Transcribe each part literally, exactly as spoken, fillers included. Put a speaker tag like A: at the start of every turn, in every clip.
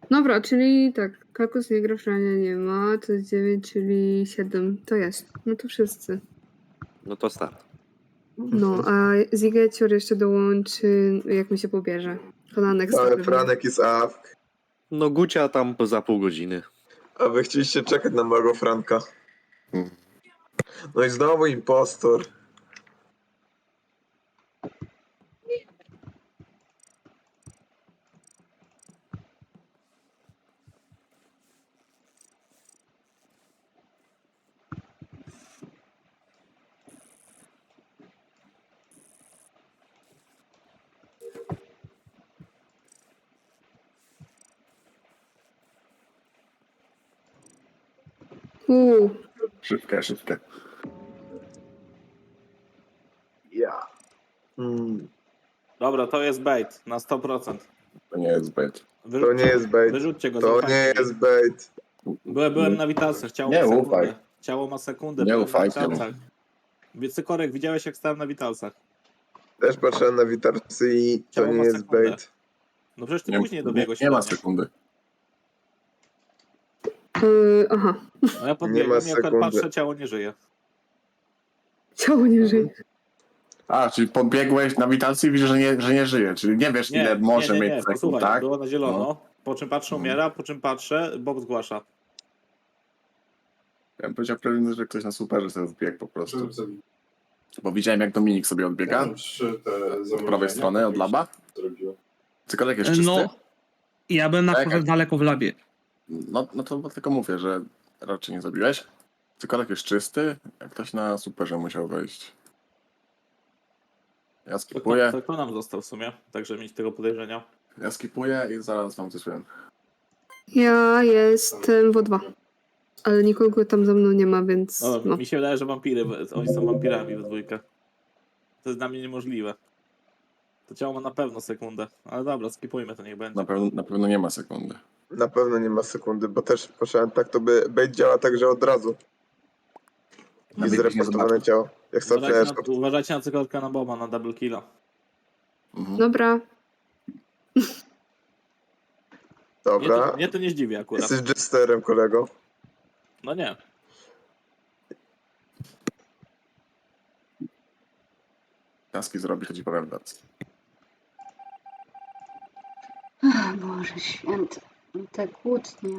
A: Dobra, czyli tak, Kakus nie gra, Frania nie ma, to jest dziewięć, czyli siedem. To jest. No to wszyscy.
B: No to start.
A: No, a Zigecior jeszcze dołączy, jak mi się pobierze. Kolanek
C: Ale Franek jest awk.
B: No Gucia tam za pół godziny.
C: A wy chcieliście czekać na małego Franka.
B: Hmm.
C: No i znowu impostor.
A: Uuu,
D: Szybkie, szybkie.
C: Ja. Mm,
E: Dobra, to jest bait na sto procent.
D: To nie jest bait.
C: to nie jest bait.
E: Wyrzućcie go,
C: To
E: zaufajcie
C: nie
E: mi.
C: jest bait.
E: Byłem, byłem na witalcach, ciało
D: Nie
E: ma sekundę.
D: ufaj.
E: Ciało ma sekundę,
D: Nie
E: byłem
D: ufajcie
E: na
D: mu.
E: witalcach. Cykorek, widziałeś jak stałem na witalcach?
C: Też patrzyłem na witarcy i to
E: Ciało
C: nie
E: ma
C: jest
E: sekundę.
C: bait.
E: No przecież ty
D: Nie,
E: później
D: nie,
E: dobiegłeś
D: nie ma
E: ode mnie.
D: sekundy.
A: yy, aha.
E: No ja podbiegłem i jak
C: sekundy.
E: patrzę, ciało nie żyje.
A: Ciało nie żyje.
D: A, czyli podbiegłeś na witalcy i widzisz, że nie, że nie żyje. Czyli nie wiesz,
E: Nie,
D: ile może
E: nie, nie, nie.
D: mieć sekund,
E: Posłuchaj,
D: tak?
E: było na zielono,
D: No.
E: po czym patrzę,
D: Mhm.
E: umiera, po czym patrzę, Bob zgłasza.
D: Ja bym powiedział, pewnie, że ktoś na superze sobie odbiegł po prostu. Bo widziałem, jak Dominik sobie odbiega. Od prawej strony, od laba. Cykolek jest czysty.
F: No, ja byłem na
D: Tak,
F: przykład
D: jak-
F: daleko w labie.
D: No, no to tylko mówię, że raczej nie zabiłeś. Cykolek jest czysty, jak ktoś na superze musiał wejść. Ja
E: To,
D: skipuję,
E: to kto nam został w sumie, także mieć tego podejrzenia.
D: ja skipuję i zaraz wam coś powiem.
A: Ja jestem w O dwa. Ale nikogo tam za mną nie ma, więc
E: No,
A: no.
E: mi się wydaje, że wampiry, oni są wampirami w dwójkę. To jest dla mnie niemożliwe. To ciało ma na pewno sekundę, ale dobra, skipujmy to, niech będzie.
D: Na pewno, na pewno nie ma sekundy.
C: Na pewno nie ma sekundy, bo też patrzyłem tak, to by bait działa tak, że od razu.
D: Na
C: I
D: biegniesz nie
C: zreportowane
D: zobaczysz.
C: ciało. Jak sobie
E: Uważajcie na, uważajcie na cykorka na Boba, na double killa.
D: Mhm.
A: Dobra.
E: Mnie
C: Dobra.
E: to, mnie to nie zdziwi akurat.
C: Jesteś jesterem, kolego.
E: No nie.
D: Taski zrobi, to ci powiem teraz.
G: Ach, Boże święty, te kłótnie.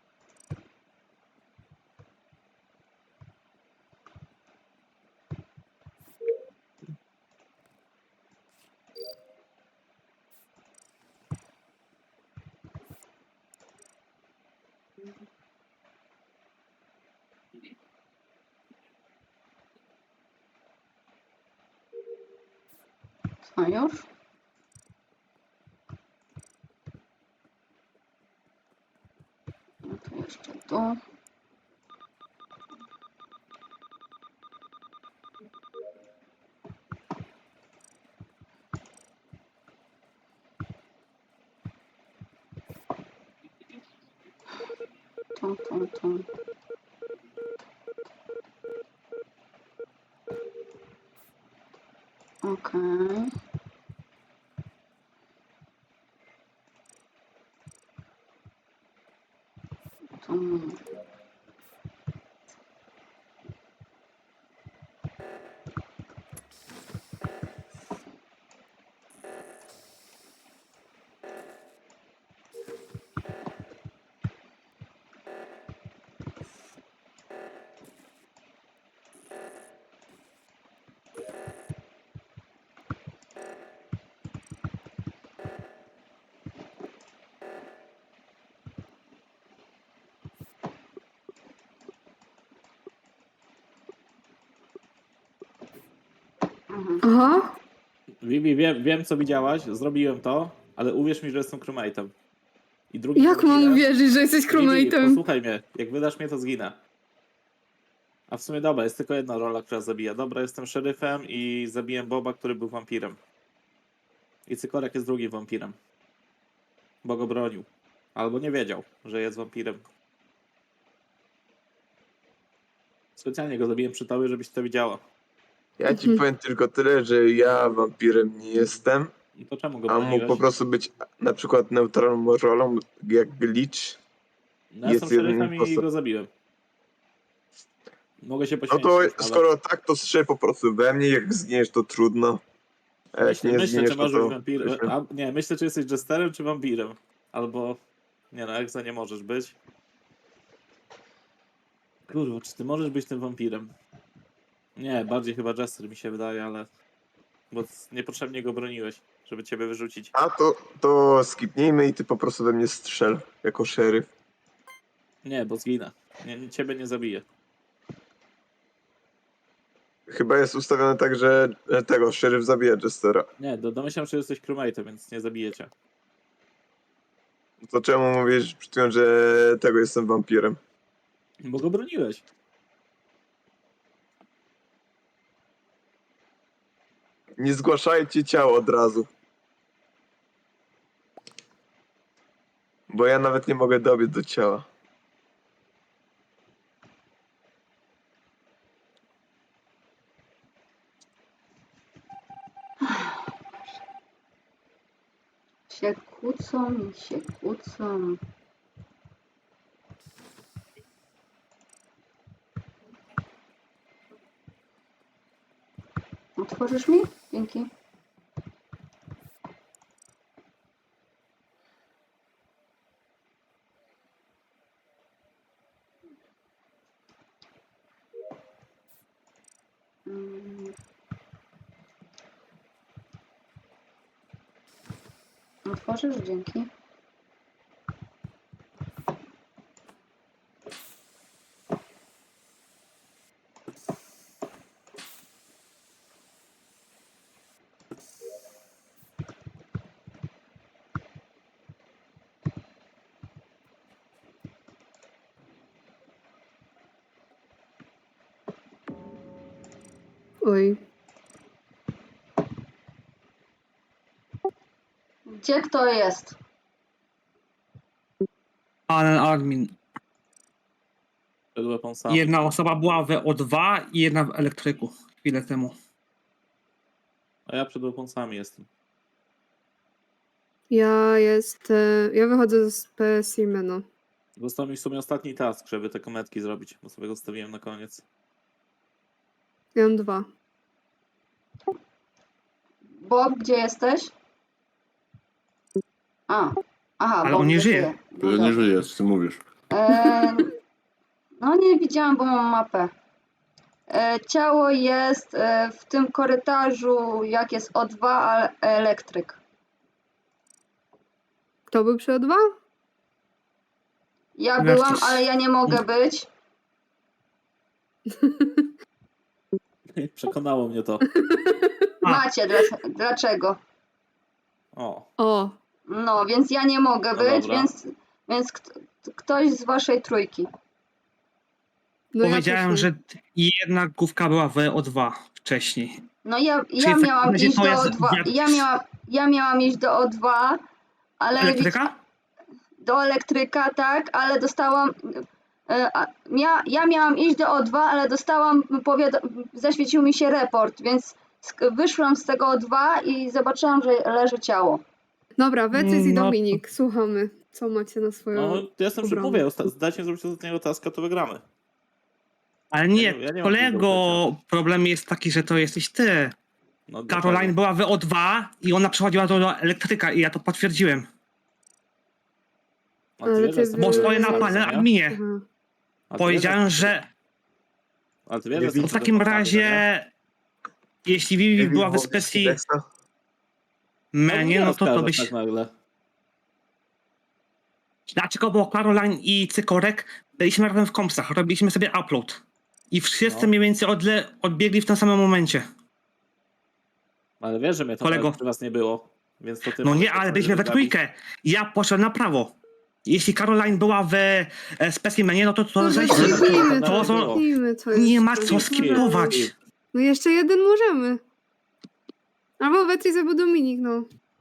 G: Co już? No to jeszcze tu. Tu, tu, tu. Okej. Tu. Mhm.
A: Aha.
E: Vivi, wiem, wiem co widziałaś, zrobiłem to, ale uwierz mi, że jestem crewmate'em. I drugi
A: Jak mam
E: wampirem-
A: uwierzyć, że jesteś
E: Vivi,
A: crewmate'em?
E: posłuchaj mnie, jak wydasz mnie, to zginę. A w sumie dobra, jest tylko jedna rola, która zabija. Dobra, jestem szeryfem i zabiłem Boba, który był wampirem. I Cykorek jest drugim wampirem. Bo go bronił. Albo nie wiedział, że jest wampirem. Specjalnie go zabiłem przy tobie, żebyś to widziała.
C: Ja ci
A: Mhm.
C: powiem tylko tyle, że ja wampirem nie jestem.
E: I to czemu go
C: A mógł
E: broniłeś?
C: po prostu być na przykład neutralną rolą, jak glitch.
E: No, ja jestem
C: jest jeden
E: szeryfem i
C: impostor.
E: go zabiłem. Mogę się
C: No
E: poświęcić.
C: to
E: nawet.
C: skoro tak, to strzel po prostu we mnie, jak zginiesz, to trudno. A jak
E: Myślę,
C: nie
E: myślę
C: zginiesz,
E: czy
C: to
E: możesz być
C: to...
E: wampirem. A, nie, myślę, czy jesteś jesterem, czy wampirem. Albo... Nie no, jak za nie możesz być. Kurwa, czy ty możesz być tym wampirem? Nie, bardziej chyba jester mi się wydaje, ale... Bo niepotrzebnie go broniłeś, żeby ciebie wyrzucić.
C: A to, to skipnijmy i ty po prostu we mnie strzel, jako szeryf.
E: Nie, bo zginę. Nie, ciebie nie zabiję.
C: Chyba jest ustawione tak, że że tego, szeryf zabija Jestera.
E: Nie, do, domyślam się, że jesteś crewmate'em, więc nie zabijecie.
C: To czemu mówisz przed chwilą, że tego jestem wampirem?
E: Bo go broniłeś.
C: Nie zgłaszajcie ciało od razu. Bo ja nawet nie mogę dobiec do ciała.
G: Się kłócą i się kłócą. Otworzysz mi? Dzięki. Mm. Otworzysz? Dzięki.
A: Oj.
G: Gdzie kto jest?
F: Ale admin.
E: Przed weaponsami.
F: Jedna osoba była w O dwa i jedna w elektryku chwilę temu.
E: A ja przed weaponsami jestem.
A: Ja jestem... Ja wychodzę z specimenu.
E: Został mi w sumie ostatni task, żeby te kometki zrobić, bo sobie go zostawiłem na koniec.
A: Ja mam dwa.
G: Bob, gdzie jesteś? A. Aha,
F: Ale
G: Bob
F: on nie żyje.
G: żyje. No
D: To nie
G: dobra.
D: żyjesz, ty mówisz.
G: E, no nie widziałam, bo mam mapę. E, ciało jest e, w tym korytarzu, jak jest O dwa, a elektryk.
A: Kto był przy O dwa?
G: Ja
F: Wreszcie.
G: byłam, ale ja nie mogę być.
E: Przekonało mnie to.
F: A.
G: Macie, dla, dlaczego?
E: O,
A: O,
G: No, więc ja nie mogę
E: No
G: być,
E: dobra.
G: więc, więc kt- ktoś z waszej trójki.
A: no
F: Powiedziałem,
A: ja też nie.
F: że jedna główka była w O dwa wcześniej.
G: No ja, ja
F: Czyli w takim
G: miałam
F: razie
G: iść
F: to
G: do
F: jest
G: O dwa.
F: wiatr-
G: Ja miałam, ja miałam iść do O dwa, ale
F: Elektryka?
G: do elektryka, tak, ale dostałam. e, a- Mia, ja miałam iść do O dwa, ale dostałam powiado- zaświecił mi się report, więc sk- wyszłam z tego O dwa i zobaczyłam, że leży ciało.
A: Dobra, Wecys i
F: No to-
A: Dominik, słuchamy. Co macie na swoją...
E: no ja jestem przy
A: obronę?
E: mówię, osta- dajcie mi zrobić ostatniego taska, to wygramy.
F: Ale nie,
E: Ja nie- ja nie mam
F: kolego,
E: tego
F: problem jest taki, że to jesteś ty.
E: No,
F: Caroline
E: dlaczego?
F: była w O dwa i ona przechodziła do elektryka i ja to potwierdziłem.
E: A ty
A: Ale
E: wiesz,
A: ty
E: że
A: wy-
F: Bo
E: jestem
F: stoję na
A: Yy,
F: panel
E: nie?
F: adminie.
A: Aha.
E: A ty
F: Powiedziałem,
E: wiesz,
F: że
E: Ale ty wiesz,
C: Nie
E: że jestem
F: w
E: przed
F: takim
E: weaponsami,
F: razie,
E: nie?
F: jeśli Vivi była w specji menu,
E: nie
F: no to to
E: oskarżasz
F: byś...
E: tak nagle.
F: Dlaczego? Bo Caroline i Cykorek byliśmy razem w kompsach, robiliśmy sobie upload. I wszyscy
E: No.
F: mniej więcej odle, odbiegli w tym samym momencie.
E: Ale wiesz, że mnie to
F: Kolego.
E: przy was nie było. Więc to ty
F: No
E: możesz
F: nie,
E: tak
F: ale
E: sobie
F: byliśmy we
E: wygapić.
F: trójkę. Ja poszedłem na prawo. Jeśli Caroline była w e, specimenie, no to to
A: No
F: zejście.
A: skipnijmy
F: To,
A: to,
F: to,
A: skipnijmy to.
F: nie
A: jest-
F: ma co skipować.
A: No jeszcze jeden możemy. Albo Wecys, albo Dominik, no.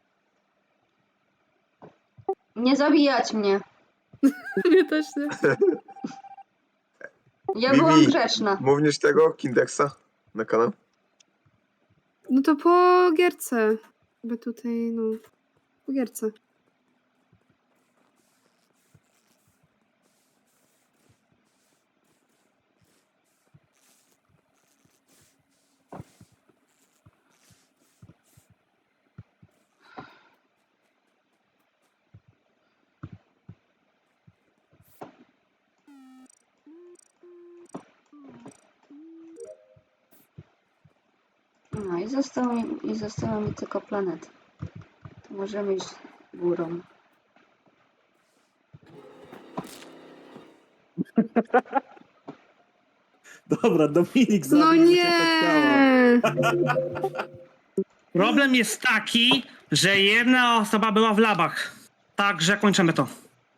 G: Nie zabijać mnie.
A: Mnie też nie.
G: Ja
C: Vivi.
G: byłam grzeczna.
C: Mówisz tego Kindexa na kanał?
A: No to po gierce. Bo tutaj, no, po gierce.
G: No i zostało mi, i została mi tylko planeta. To możemy iść górą.
E: Dobra, Dominik zabił
A: No
E: mi się pod ciało.
A: nie!
F: Problem jest taki, że jedna osoba była w labach. Także kończymy to.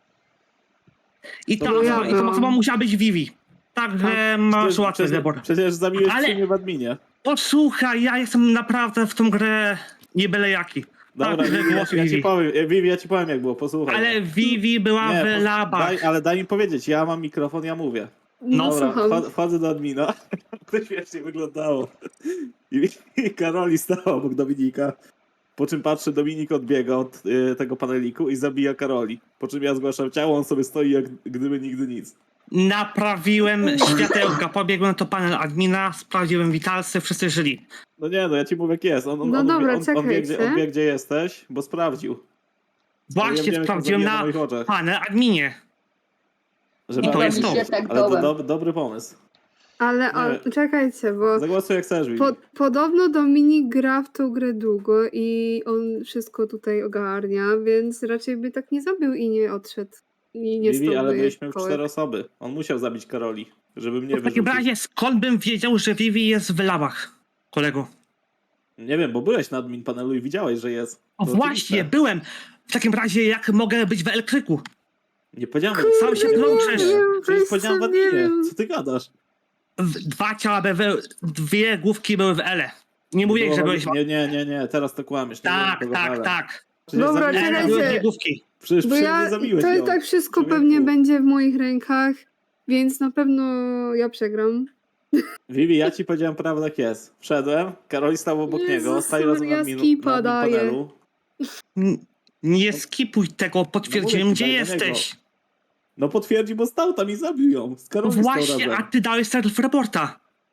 F: I ta,
E: To
A: ja
F: osoba, i ta
A: byłam.
F: osoba musiała być Vivi. Także masz
E: Przecież-
F: łatwy
E: przecież,
F: wybór.
E: przecież zabiłeś
F: Ale-
E: Ale... mnie w adminie.
F: Posłuchaj, ja jestem naprawdę w tą grę nie byle jaki.
E: Dobra,
F: Tak, że
E: Vivi, ja,
F: głos
E: ja ci
F: Vivi.
E: powiem, e, Vivi, ja ci powiem jak było, posłuchaj.
F: Ale Vivi była
E: Nie,
F: w
E: pos-
F: labach.
E: daj, ale daj mi powiedzieć, ja mam mikrofon, ja mówię.
A: No,
E: Dobra,
A: słucham.
E: wchod- wchodzę do admina. To śmiesznie wyglądało. I, I Karoli stała obok Dominika. Po czym patrzę, Dominik odbiega od y, tego paneliku i zabija Karoli. Po czym ja zgłaszam ciało, on sobie stoi jak gdyby nigdy nic.
F: Naprawiłem światełka, pobiegłem do panel admina, sprawdziłem witalsy, wszyscy żyli.
E: No nie, no ja ci mówię jak jest. On, on,
A: No
E: on,
A: dobra,
E: wie, on, on, wie, gdzie,
A: czekajcie.
E: on wie gdzie jesteś, bo sprawdził. Ja
F: Właśnie
E: wiem, jak to
F: sprawdziłem
E: zabija
F: na
E: moich oczach.
F: panel adminie.
E: Żeby
F: I to jest
G: mi
F: to.
G: się tak
E: Ale to
G: dołem.
E: dob, dobry pomysł.
A: Ale a,
E: Nie.
A: czekajcie, bo
E: Zagłosuj jak chcesz, Vivi.
A: po, podobno Dominik gra w tą grę długo i on wszystko tutaj ogarnia, więc raczej by tak nie zabił i nie odszedł. I nie
E: Vivi,
A: stał
E: ale
A: by
E: byliśmy w
A: kołek.
E: cztery osoby. On musiał zabić Karoli, żeby mnie
F: W takim
E: wyrzucić.
F: razie skąd bym wiedział, że Vivi jest w labach, kolego?
E: Nie wiem, bo byłeś na admin panelu i widziałeś, że jest.
F: O
E: To
F: właśnie,
E: oczywiste.
F: byłem. W takim razie jak mogę być w elektryku?
E: Nie powiedziałem,
F: Sam się
A: Nie
F: plączesz.
A: wiem,
E: przecież
A: weź
E: powiedziałem w
A: sobie, nie
E: adminie.
A: wiem.
E: Co ty gadasz?
F: W- Dwa ciała były, dwie główki były w ele. Nie mówię,
E: było
F: że
E: w-
F: byłeś w...
E: Nie, nie, nie, nie, teraz to kłamiesz. Nie
F: Tak,
E: było
F: tak,
E: nikogo w
F: tak.
E: Przecież
A: Dobra,
E: zabiłeś-
F: Ele
A: czekajcie.
F: były dwie główki.
E: Przecież
A: Bo
E: przy
A: ja,
E: mnie zabiłeś
A: to i
E: ją.
A: tak wszystko
E: Człowieku.
A: pewnie będzie w moich rękach, więc na pewno ja przegram.
E: Vivi, ja ci powiedziałem prawdę jak jest. Wszedłem, Karoli stał obok
A: Jezus
E: niego, stali razem
A: Maria,
E: na admin,
A: skipa
E: na admin
A: daję.
E: panelu.
F: N- Nie skipuj tego, potwierdziłem,
E: No
F: gdzie
E: mówię ci, daj do
F: jesteś.
E: No potwierdzi, bo stał tam i zabił ją. Z Karoli stał
F: Właśnie, a
E: razem.
F: ty dałeś self-reporta.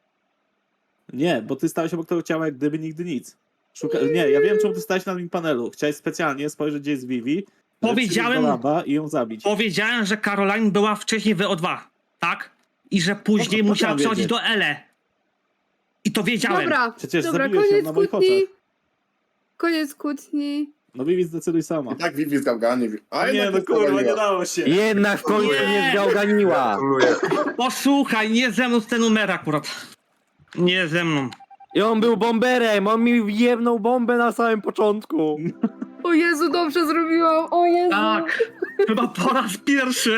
E: Nie, bo ty stałeś obok tego ciała jak gdyby nigdy nic. Szuka... Nie, ja wiem czemu ty stałeś na admin panelu. Chciałeś specjalnie spojrzeć gdzie jest Vivi, żeby
F: Powiedziałem-
E: przyjść do laba i ją zabić.
F: Powiedziałem, że Caroline była wcześniej w O dwa, tak? I że później
E: No, to
F: musiała
E: chciałem
F: przechodzić
E: wiedzieć.
F: do ele. I to wiedziałem.
A: Dobra,
E: Przecież
A: dobra,
E: zabiłeś ją
A: koniec
E: na moich
A: kłótni.
E: oczach.
A: Koniec kłótni.
E: No Vivi, zdecyduj sama.
D: I tak Vivi zgałganie. A
E: Nie,
D: jednak
E: no
D: to
E: kurwa,
D: zawaliła.
E: nie dało się.
B: Jednak w końcu
F: Nie.
B: mnie zgałganiła.
C: Gratuluję.
F: Posłuchaj, nie ze mną ten numer akurat. Nie ze mną.
B: I on był bomberem, on mi wjebnął bombę na samym początku.
A: O Jezu, dobrze zrobiłam, o Jezu.
F: Tak, chyba po raz pierwszy.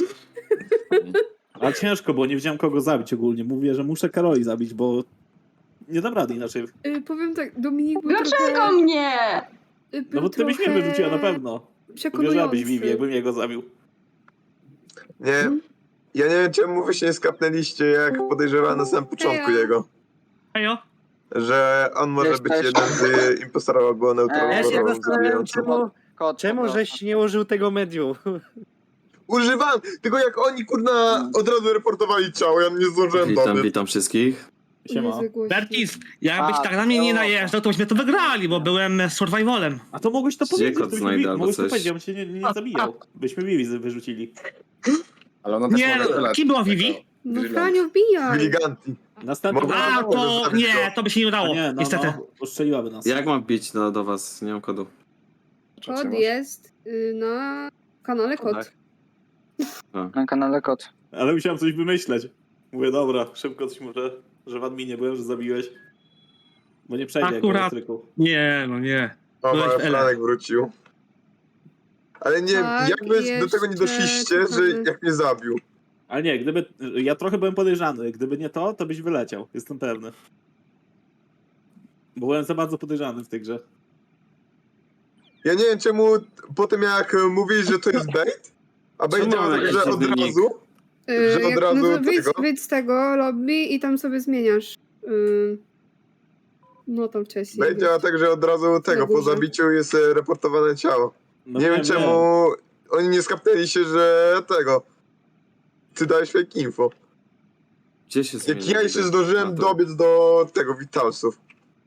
E: Ale ciężko, bo nie wiedziałem kogo zabić ogólnie. Mówię, że muszę Karoli zabić, bo nie dam rady inaczej.
A: Y, powiem tak, Dominik był
G: Dlaczego
A: trochę...
G: mnie?
A: y,
E: No
A: był
E: bo ty byś mnie
A: trochę
E: wyrzuciła na pewno.
A: Przekonujący.
E: Uwierzyłabyś Vivi, jakbym jego zabił.
C: Nie, ja nie wiem czemu wy się nie skapnęliście, jak podejrzewałem na samym początku
A: Ejo.
C: jego.
F: Ejo,
C: Że on może
H: Cześć,
C: być
H: cześć.
C: jeden z impostorów, albo
B: Ja
C: neutralną
B: się
C: rolą
B: zastanawiam,
C: zabijającą.
B: czemu,
H: Kod,
B: czemu
H: dobra.
B: żeś nie użył tego medium.
C: Używam! Tylko jak oni kurna od razu reportowali ciało, ja nie zdążyłem
I: Witam,
C: dobiec.
I: witam wszystkich.
E: Siema.
A: Jezu, głośno.
F: Bertis, jakbyś
H: A,
F: tak na mnie nie
H: to-
F: najeżdżał, to byśmy to wygrali, bo byłem survivalem.
E: A to mogłeś to
I: Gdzie
E: powiedzieć,
I: kod
E: to byśmy
I: znajdę
E: Vivi,
I: albo
E: mogłeś to
I: coś?
E: powiedzieć, on cię nie, nie zabijał. Byśmy Vivi z- wyrzucili.
D: Ale ona też
F: Nie,
D: może tyle.
F: kim była Vivi?
A: No
D: Brilliant.
A: Franio, wbijaj.
C: Giganti.
E: Następny
C: Mogę-
F: A,
C: Mogę
F: to
C: zostawić
F: nie,
C: go.
F: to by się nie
E: A
F: udało,
E: nie, no,
F: niestety.
E: no, ustrzeliłaby nas.
I: Jak mam bić do, do was? Nie mam kodu.
A: Kod jest y, na kanale Kod.
B: Tak.
H: Na kanale kod.
E: Ale musiałem coś wymyśleć. Mówię, dobra, szybko coś może, że w adminie byłem, że zabiłeś. Bo nie przejdzie jak w
F: Akurat.
E: elektryku.
F: Nie, no nie.
C: O,
F: Byłeś w
C: mały
F: Ele.
C: planek wrócił. Ale nie,
A: Tak,
C: jak wy do tego nie
A: jeszcze
C: doszliście, że
A: czekamy.
C: jak mnie zabił?
E: Ale nie, gdyby. Ja trochę byłem podejrzany. Gdyby nie to, to byś wyleciał. Jestem pewny. Bo byłem za bardzo podejrzany w tej grze.
C: Ja nie wiem czemu po tym jak mówili, że to jest bait, a bait
I: Czemu
C: działa
I: mamy
C: tak, że
I: jakiś
C: od
I: wynik?
C: razu,
A: Y,
C: Że od
A: jak-
C: razu
A: no to wyjdź,
C: tego?
A: wyjdź z tego lobby i tam sobie zmieniasz. Y, No tam wcześniej.
C: No i działa tak, że od razu tego, po
A: górze.
C: zabiciu jest e, reportowane ciało.
E: No
C: nie wiem
E: wiem,
C: czemu oni nie skapnęli się, że tego. Ty dałeś fake info.
I: Gdzie się
C: Jak
I: zmienia
C: ja jeszcze
I: niby?
C: zdążyłem
I: A, to-
C: dobiec do tego Vitalsów.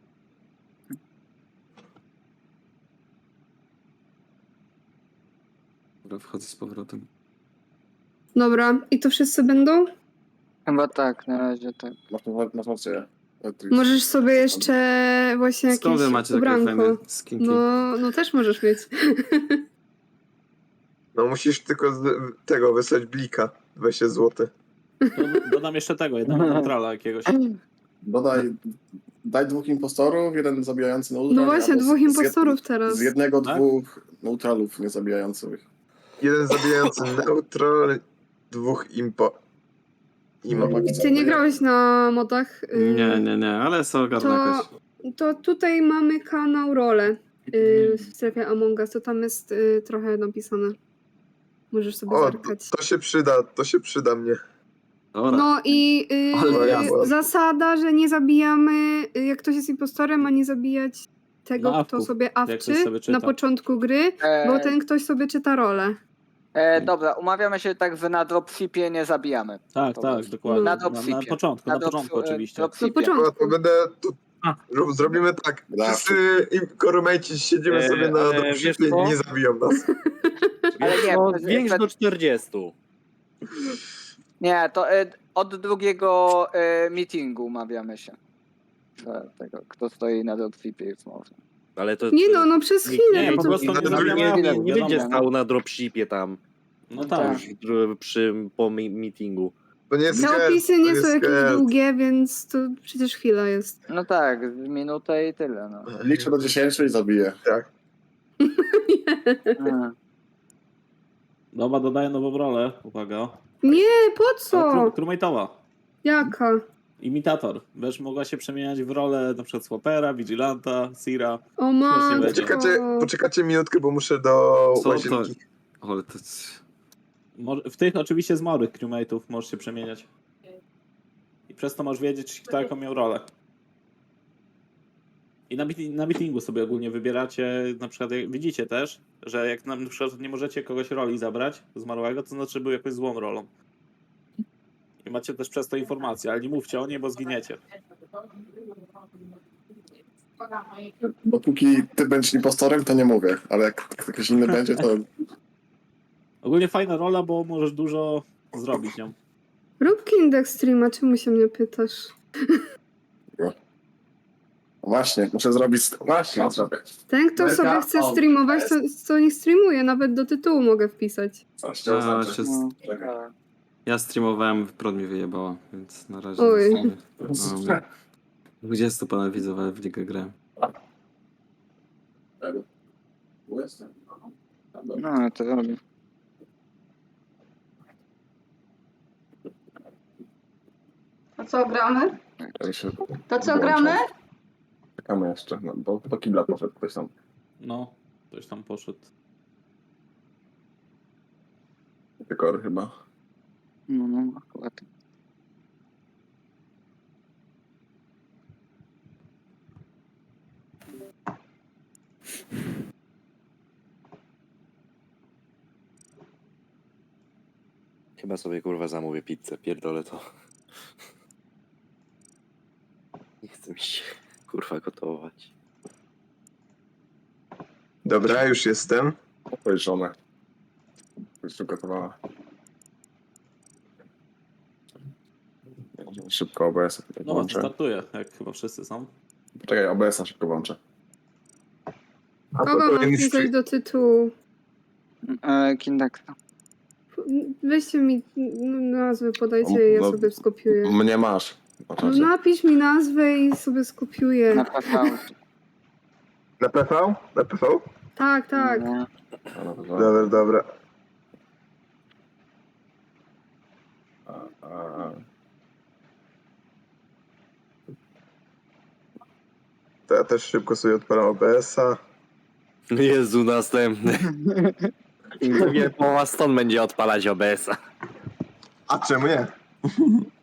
I: Dobra, wchodzę z powrotem.
A: Dobra, i to wszyscy będą?
H: Chyba tak, na razie tak.
D: Masz, masz, masz rację.
A: Możesz sobie jeszcze właśnie jakieś
I: Skąd wy macie takie
A: ubranko.
I: fajne skinki?
A: No, no też możesz mieć.
C: No musisz tylko z, tego wysłać blika. dwadzieścia złotych.
E: Do- Dodam jeszcze tego, jednego neutrala jakiegoś.
D: Dodaj, daj dwóch impostorów, jeden zabijający neutral.
A: No właśnie,
D: albo z-
A: dwóch
D: z jed-
A: impostorów teraz.
D: Z jednego,
E: Tak?
D: dwóch neutralów niezabijających.
C: Jeden zabijający neutral, dwóch impo. Imo.
A: Ty nie grałeś na modach? y,
I: Nie, nie, nie, ale są ogarnę
A: To,
I: jakoś.
A: to tutaj mamy kanał Role y, w strefie Among Us, to tam jest y, trochę napisane. Możesz sobie
C: O, to,
A: zerkać.
C: to się przyda, to się przyda mnie.
I: Dobra.
A: No i y,
I: Ale
A: y,
C: jasne.
A: zasada, że nie zabijamy, y, jak ktoś jest impostorem, ma nie zabijać tego,
E: Na
A: kto
E: awku,
A: sobie
E: jak ktoś
A: awczy
E: sobie czyta.
A: na początku gry,
H: E,
A: bo ten ktoś sobie czyta rolę.
H: e, dobra, umawiamy się tak, że na dropshipie nie zabijamy.
E: Tak,
H: To
E: tak,
H: jest-
E: dokładnie.
A: Na
E: Na, na,
H: dropshipie.
E: początku, na,
H: drop-
E: początku
H: e,
E: oczywiście.
A: Na
H: dropshipie.
C: No,
A: początku.
C: to będę. To,
F: A.
C: zrób- zrobimy tak.
D: Dobra.
C: Wszyscy korumejci siedzimy
B: E,
C: sobie na
B: ale
C: dropshipie
B: wiesz
C: i
B: co?
C: nie zabiją nas.
H: Ale nie,
B: No,
H: bez-
B: większy
H: bez-
B: do czterdziestu.
H: nie, to e, od drugiego e, meetingu umawiamy się. Że tego, kto stoi na dropshipie już można.
B: Ale to...
A: Nie no, no przez
E: Nie,
A: chwilę.
E: nie,
A: no
E: po
A: to-
E: prostu
C: na
E: nie
C: drugim
E: zabijamy,
B: nie, nie,
E: wiadomo.
B: nie będzie stał na dropshipie tam.
E: No
H: Tak.
E: tak.
B: Już przy, po mi- meetingu.
C: To nie jest
A: Te
C: skel,
A: opisy
C: to
A: nie
C: jest
A: są jakieś
C: skel.
A: długie, więc to przecież chwila jest.
H: No tak, minutę i tyle. No.
D: Liczę do dziesięciu i zabiję.
H: A.
E: Dobra, dodaję nową rolę. Uwaga.
A: Nie, po co?
E: Crewmate'owa.
A: Jaka?
E: Imitator. Będziesz mogła się przemieniać w rolę na przykład Swapera, Vigilanta, Sira.
A: O matko.
E: będzie.
C: Poczekacie, poczekacie minutkę, bo muszę do
I: Co to?
C: łazienki.
I: Ale to...
E: Mo- W tych oczywiście zmarłych crewmate'ów możesz się przemieniać. I przez to możesz wiedzieć, kto jaką miał rolę. I na, meeti- na meetingu sobie ogólnie wybieracie, na przykład jak widzicie też, że jak na przykład nie możecie kogoś roli zabrać zmarłego, to znaczy był jakąś złą rolą. I macie też przez to informacje, ale nie mówcie o niej, bo zginiecie.
D: Dopóki ty będziesz impostorem, to nie mówię, ale jak ktoś inny będzie, to
E: Ogólnie fajna rola, bo możesz dużo zrobić nią.
A: Rób indeks streama, czemu się mnie pytasz?
D: właśnie, muszę zrobić... Właśnie, zrobię.
A: Ten, kto
D: Melka,
A: sobie chce
D: o,
A: streamować,
D: jest.
A: to, to niech streamuje, nawet do tytułu mogę wpisać.
D: Coś cię
I: A,
D: oznaczę.
I: się...
H: No,
D: Czekaj.
H: tak.
I: Ja streamowałem, prąd mi wyjebała, więc na razie...
A: Oj.
I: nic nie- Mam dwudziestu ponad widzów, ale w ligę grałem.
H: No, to robię.
G: To co gramy?
D: Ja się
G: To co
D: włączam.
G: gramy?
D: Czekamy jeszcze, no, bo do kibla poszedł ktoś tam.
E: No, ktoś tam poszedł.
D: Dekor chyba.
H: No, no, akurat.
B: Chyba sobie kurwa zamówię pizzę, pierdolę to. Nie chcę mi się kurwa gotować.
C: Dobra, już jestem.
D: To jest żona. Już gotowała. Szybko O B S
E: No, to
D: włączę.
E: startuje, jak chyba wszyscy są.
D: Poczekaj, O B S-a szybko włączę.
C: A to
A: Kogo mam
C: kolejny
A: wpisać
C: stream.
A: do tytułu?
H: E, Kindaksa.
A: Weźcie mi nazwę, podajcie,
D: No,
A: ja
D: no,
A: sobie skopiuję.
D: Mnie masz. Na
A: No,
D: czacie.
A: napisz mi nazwę i sobie skopiuję.
H: Na P V.
C: Na P V? Na P V?
A: Tak, tak.
H: No.
D: No, dobra.
C: Dobra, dobra.
D: A, a, a.
C: To ja też szybko sobie odpalam O B S-a.
B: Jezu, następny. Pewnie połowa stąd będzie odpalać O B S-a.
C: A czemu nie?